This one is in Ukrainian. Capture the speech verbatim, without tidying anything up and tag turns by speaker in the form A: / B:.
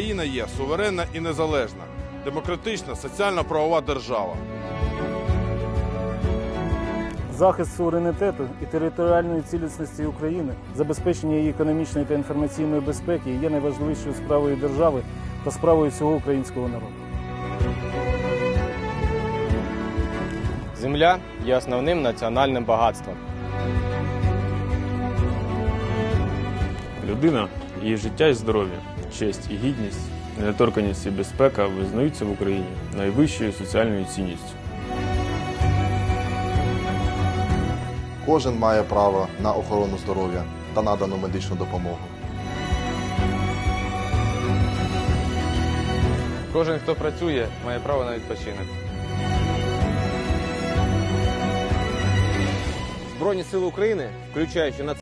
A: Україна є суверенна і незалежна, демократична, соціально-правова держава.
B: Захист суверенітету і територіальної цілісності України, забезпечення її економічної та інформаційної безпеки є найважливішою справою держави та справою всього українського народу.
C: Земля є основним національним багатством.
D: Людина, її життя і здоров'я, честь і гідність, недоторканність і безпека визнаються в Україні найвищою соціальною цінністю.
E: Кожен має право на охорону здоров'я та надану медичну допомогу.
F: Кожен, хто працює, має право на відпочинок.
G: Збройні сили України, включаючи